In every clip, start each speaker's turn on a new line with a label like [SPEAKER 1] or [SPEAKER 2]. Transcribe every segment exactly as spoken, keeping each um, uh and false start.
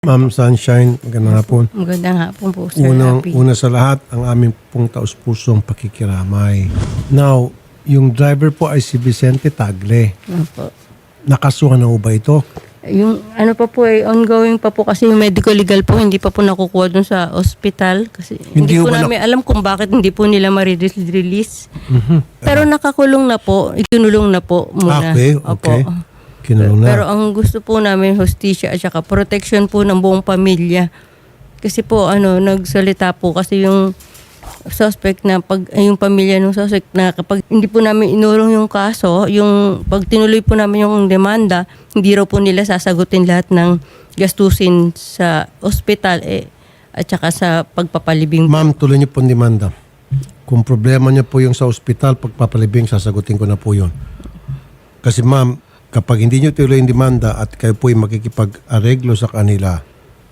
[SPEAKER 1] Ma'am Sunshine, magandang hapon.
[SPEAKER 2] Magandang hapon po, Sir
[SPEAKER 1] Unang,
[SPEAKER 2] Happy.
[SPEAKER 1] una sa lahat, ang aming pong taus-pusong pakikiramay. Now, yung driver po ay si Vicente Tagle.
[SPEAKER 2] Opo.
[SPEAKER 1] Nakasuhan na ho ba ito?
[SPEAKER 2] Yung ano pa po eh, ongoing pa po kasi yung medical legal po, hindi pa po nakukuha dun sa hospital. Kasi
[SPEAKER 1] Hindi
[SPEAKER 2] hindi,
[SPEAKER 1] ho
[SPEAKER 2] po
[SPEAKER 1] ba
[SPEAKER 2] namin alam kung bakit hindi po nila ma-release.
[SPEAKER 1] Mhm.
[SPEAKER 2] Pero nakakulong na po, ikinulong na po muna.
[SPEAKER 1] Okay,
[SPEAKER 2] Opo.
[SPEAKER 1] okay. Kinulong na.
[SPEAKER 2] Pero ang gusto po namin, hostisya at saka protection po ng buong pamilya. Kasi po, ano, nagsalita po kasi yung suspect na pag, ay, yung pamilya ng suspect na kapag hindi po namin inulong yung kaso, yung pag tinuloy po namin yung demanda, hindi raw po nila sasagutin lahat ng gastusin sa ospital eh, at saka sa pagpapalibing.
[SPEAKER 1] Ma'am, tuloy niyo po ang demanda. Kung problema niyo po yung sa ospital, pagpapalibing, sasagutin ko na po yun. Kasi ma'am, kapag hindi niyo tuloy yung demanda at kayo po yung makikipag-areglo sa kanila,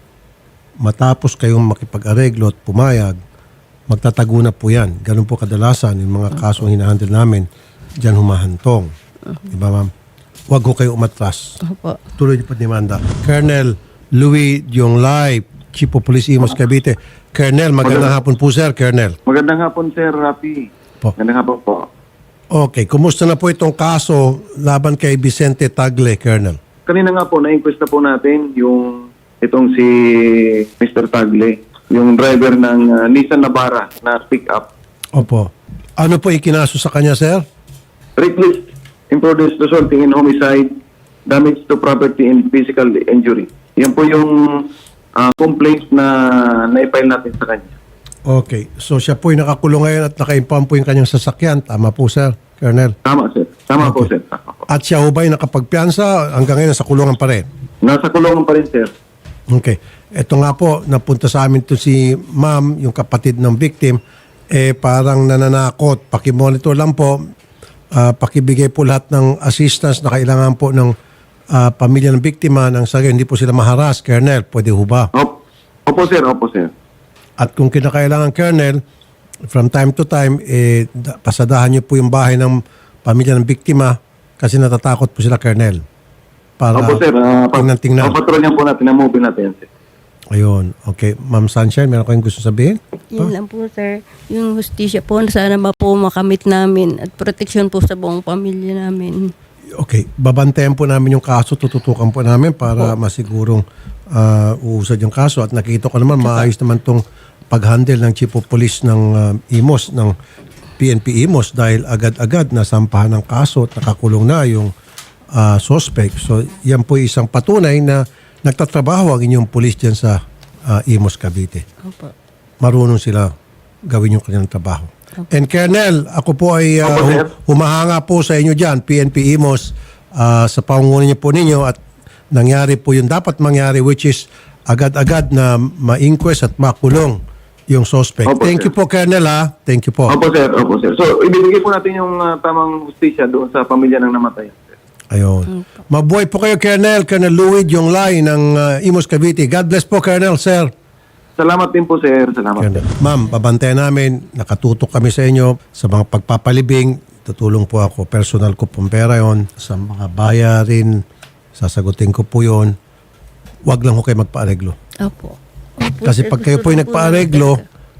[SPEAKER 1] matapos kayong makipag-areglo at pumayag, magtatago na po yan. Ganun po kadalasan yung mga kasong hinahandle namin, dyan humahantong. Diba ma'am? Huwag ko kayo umatras.
[SPEAKER 2] Opo.
[SPEAKER 1] Tuloy niyo po demanda. Colonel Louis Dionglay, Chief of Police Imos Cavite. Colonel, magandang hapon po sir, Colonel.
[SPEAKER 3] Magandang hapon, Sir Rafi.
[SPEAKER 1] Po.
[SPEAKER 3] Magandang hapon po.
[SPEAKER 1] Okay, kumusta na po itong kaso laban kay Vicente Tagle, Colonel?
[SPEAKER 3] Kanina nga po, na-inquest na po natin yung itong si Mister Tagle, yung driver ng uh, Nissan Navara na pick-up.
[SPEAKER 1] Opo. Ano po ikinaso sa kanya, sir?
[SPEAKER 3] Reckless imprudence resulting in homicide, damage to property and physical injury. Yan po yung uh, complaints na na-file natin sa kanya.
[SPEAKER 1] Okay. So siya po ay nakakulong ngayon at naka-impound po yung kanyang sasakyan. Tama po, sir, Colonel.
[SPEAKER 3] Tama, sir. Tama po,
[SPEAKER 1] Okay.
[SPEAKER 3] sir. Tama po.
[SPEAKER 1] At siya ho ba ay nakapagpiansa hanggang ngayon sa kulungan pa rin?
[SPEAKER 3] Nasa kulungan pa rin, sir.
[SPEAKER 1] Okay. Ito nga po, napunta sa amin to si ma'am, yung kapatid ng victim, eh parang nananakot. Pakimonitor lang po, ah, pakibigay po lahat ng assistance na kailangan po ng ah, pamilya ng biktima nang sa gayon, hindi po sila maharas. Colonel, pwede ho ba?
[SPEAKER 3] Opo, opo sir. Opo, sir.
[SPEAKER 1] At kung kinakailangan, Colonel, from time to time, eh, da- pasadahan niyo po yung bahay ng pamilya ng biktima kasi natatakot po sila, Colonel. Para
[SPEAKER 3] Opo, sir. Uh,
[SPEAKER 1] tingnan-tingnan.
[SPEAKER 3] Papatrolyan po natin ang movie natin, sir.
[SPEAKER 1] Ayun. Okay. Ma'am Sunshine, meron kayong gusto sabihin?
[SPEAKER 2] Yun lang po, sir. Yung hostisya po, sana ba po makamit namin at protection po sa buong pamilya namin.
[SPEAKER 1] Okay. Babantayan po namin yung kaso, tututukan po namin para masigurong uh, uusad yung kaso. At nakikita ko naman, maayos naman tong pag-handle ng Chief of Police ng uh, Imos, ng P N P Imos dahil agad-agad nasampahan ng kaso at nakakulong na yung uh, suspect. So yan po isang patunay na nagtatrabaho ang inyong police dyan sa uh, Imos, Cavite.
[SPEAKER 2] Opo.
[SPEAKER 1] Marunong sila gawin yung kanilang trabaho. And Colonel, ako po ay uh,
[SPEAKER 3] Opo, sir.
[SPEAKER 1] hu- humahanga po sa inyo dyan, P N P Imos, uh, sa pangungunan niyo po ninyo at nangyari po yung dapat mangyari which is agad-agad na ma-inquest at makulong yung suspect.
[SPEAKER 3] Opo,
[SPEAKER 1] Thank you
[SPEAKER 3] sir.
[SPEAKER 1] po, Colonel, ha? Thank you po.
[SPEAKER 3] Opo, sir. Opo, sir. So, ibibigay po natin yung uh, tamang hustisya doon sa pamilya ng namatay. Sir.
[SPEAKER 1] Ayun. Mabuhay po kayo, Colonel. Colonel Louis Dionglay ng uh, Imos, Cavite. God bless po, Colonel, sir.
[SPEAKER 3] Salamat din po, sir. Salamat.
[SPEAKER 1] Colonel. Ma'am, babantayan namin. Nakatutok kami sa inyo sa mga pagpapalibing. Tutulong po ako. Personal ko pong pera yon. Sa mga bayarin, sasagutin ko po yon. Huwag lang ko kayo magpaareglo.
[SPEAKER 2] Opo. Opo,
[SPEAKER 1] Kasi
[SPEAKER 2] sir.
[SPEAKER 1] pag kayo po
[SPEAKER 2] Gusto
[SPEAKER 1] ay
[SPEAKER 2] na
[SPEAKER 1] nagpaareglo,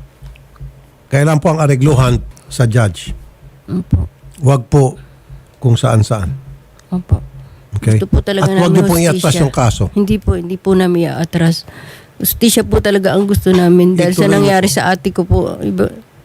[SPEAKER 1] kailan po ang aregluhan sa judge.
[SPEAKER 2] Opo.
[SPEAKER 1] Huwag po kung saan-saan.
[SPEAKER 2] Opo.
[SPEAKER 1] Okay?
[SPEAKER 2] Gusto po talaga
[SPEAKER 1] At huwag
[SPEAKER 2] namin
[SPEAKER 1] niyo pong
[SPEAKER 2] hustisya.
[SPEAKER 1] iatras yung kaso.
[SPEAKER 2] Hindi po, hindi po namin iatras. Hustisya po talaga ang gusto namin dahil sa
[SPEAKER 1] Ituloy mo
[SPEAKER 2] nangyari
[SPEAKER 1] po.
[SPEAKER 2] sa ate ko po. Iba,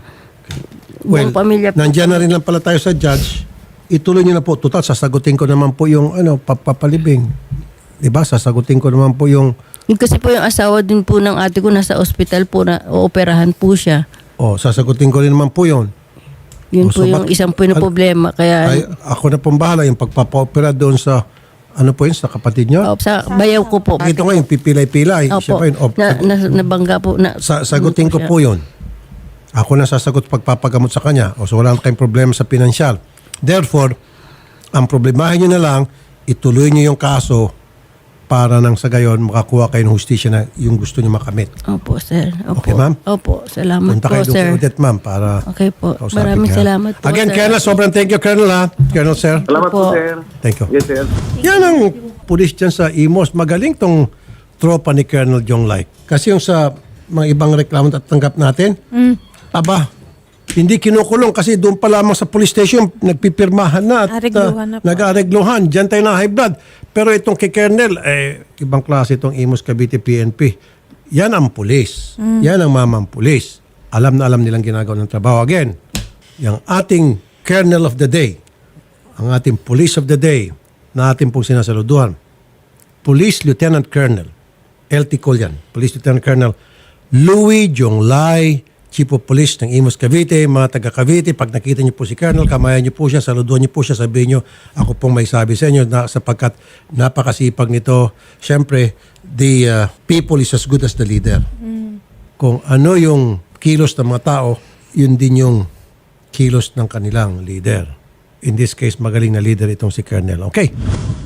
[SPEAKER 1] Well,
[SPEAKER 2] buong pamilya po.
[SPEAKER 1] nandyan na rin lang pala tayo sa judge. Ituloy niyo na po. Total, sasagutin ko naman po yung ano, papapalibing. Diba? Sasagutin ko naman po yung
[SPEAKER 2] Yung kasi po yung asawa din po ng ate ko nasa ospital po na ooperahan po siya.
[SPEAKER 1] oh, sasagutin ko rin naman po yun.
[SPEAKER 2] Yun
[SPEAKER 1] Oh,
[SPEAKER 2] po
[SPEAKER 1] so
[SPEAKER 2] yung
[SPEAKER 1] bak-
[SPEAKER 2] isang po na
[SPEAKER 1] Al-
[SPEAKER 2] problema. Kaya
[SPEAKER 1] Ay, ako na pong bahala yung pagpapa-opera doon sa ano po yun, sa kapatid niyo.
[SPEAKER 2] oh, sa bayaw ko po.
[SPEAKER 1] Ito nga yung pipilay-pilay. Siya
[SPEAKER 2] Opo.
[SPEAKER 1] pa yun. Oh,
[SPEAKER 2] Na, na, nabangga po. Na,
[SPEAKER 1] sa, sagutin ko
[SPEAKER 2] siya.
[SPEAKER 1] po yun. Ako na sasagot pagpapagamot sa kanya. O so wala na kayong problema sa pinansyal. Therefore, ang problemahin nyo na lang, ituloy nyo yung kaso para nang sa gayon makakuha kayo ng hustisya na yung gusto nyo makamit.
[SPEAKER 2] Opo, sir. Opo.
[SPEAKER 1] Okay, ma'am?
[SPEAKER 2] Opo, salamat
[SPEAKER 1] Punta
[SPEAKER 2] po,
[SPEAKER 1] kayo doon
[SPEAKER 2] sir.
[SPEAKER 1] kay Odette, ma'am, para
[SPEAKER 2] Okay po.
[SPEAKER 1] kausapin
[SPEAKER 2] Maraming
[SPEAKER 1] ka.
[SPEAKER 2] salamat po,
[SPEAKER 1] Again,
[SPEAKER 2] sir.
[SPEAKER 1] Colonel, sobrang thank you, Colonel, ha? Colonel, sir.
[SPEAKER 3] Salamat po,
[SPEAKER 2] Opo.
[SPEAKER 3] sir.
[SPEAKER 1] Thank you.
[SPEAKER 3] Yes, sir.
[SPEAKER 1] Yan ang pulis dyan sa Imos. Magaling tong tropa ni Colonel Jonglay. Kasi yung sa mga ibang reklamo at tanggap natin, aba, hindi kinukulong kasi doon pa lamang sa police station nagpipirmahan na at
[SPEAKER 4] Aregluhan na
[SPEAKER 1] uh,
[SPEAKER 4] po.
[SPEAKER 1] nag-aregluhan. Diyan tayo na high blood. Pero itong kay Colonel, eh, ibang klase itong Imus Cavite P N P. Yan ang pulis. Yan ang mamang pulis. Alam na alam nilang ginagawa ng trabaho. Again, yung ating Colonel of the Day, ang ating Police of the Day na ating pong sinasaluduhan, Police Lieutenant Colonel, L T Colyan, Police Lieutenant Colonel Louis Jonglay, Chief of Police ng Imus Cavite, mga taga Cavite, pag nakita niyo po si Colonel, kamayan niyo po siya, saluduhan niyo po siya, sabihin niyo, ako pong may sabi sa inyo na sapagkat napakasipag nito. Siyempre, the uh, people is as good as the leader. Kung ano yung kilos ng mga tao, yun din yung kilos ng kanilang leader. In this case, magaling na leader itong si Colonel. Okay.